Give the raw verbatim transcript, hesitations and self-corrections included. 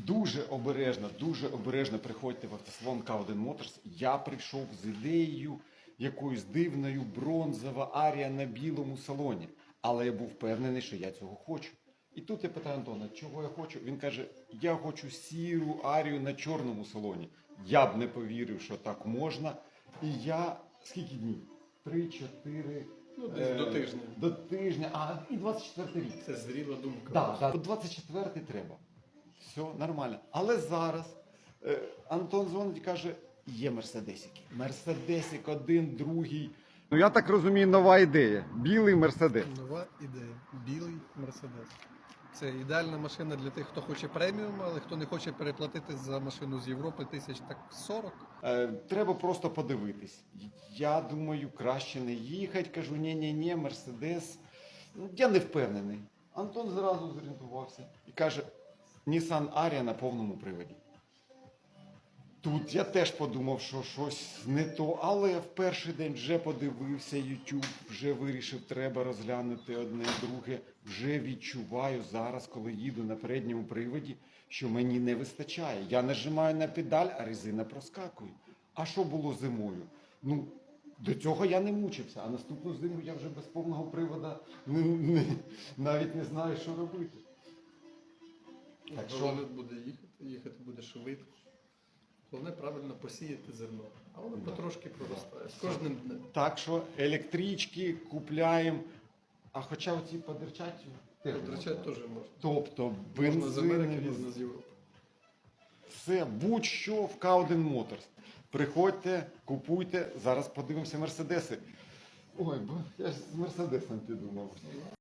Дуже обережно, дуже обережно приходьте в автосалон К один Motors. Я прийшов з ідеєю якоюсь дивною, бронзова арія на білому салоні. Але я був впевнений, що я цього хочу. І тут я питаю Антона, чого я хочу? Він каже, я хочу сіру арію на чорному салоні. Я б не повірив, що так можна. І я, скільки днів? Три, чотири... Ну, десь до тижня. До тижня, а і двадцять четвертий рік. Це зріла думка. Так, да, двадцять четвертий треба. Все нормально. Але зараз е, Антон дзвонить і каже, є мерседесики. Мерседесик один, другий. Ну я так розумію, нова ідея. Білий мерседес. Нова ідея. Білий Мерседес. Це ідеальна машина для тих, хто хоче преміум, але хто не хоче переплатити за машину з Європи тисяч так сорок. Е, треба просто подивитись. Я думаю, краще не їхати. Кажу, ні-ні-ні, мерседес. Ну, я не впевнений. Антон зразу зорієнтувався і каже, Nissan Ariya на повному приводі. Тут я теж подумав, що щось не то, але в перший день вже подивився YouTube, вже вирішив, треба розглянути одне, друге. Вже відчуваю зараз, коли їду на передньому приводі, що мені не вистачає. Я нажимаю на педаль, а резина проскакує. А що було зимою? Ну, до цього я не мучився, а наступну зиму я вже без повного привода не, не, навіть не знаю, що робити. Так що воно буде їхати, їхати буде швидко. Головне правильно посіяти зерно, а воно Да. потрошки проростає. З кожним днем. Так що електрички купляємо, а хоча оці подерчать теж Потрачати можна. теж можна. Тобто Можна з Америки, бензинові, можна з Європи. все, будь-що в К один Motors. Приходьте, купуйте, зараз подивимося мерседеси. Ой, бо я ж з мерседесом підумав.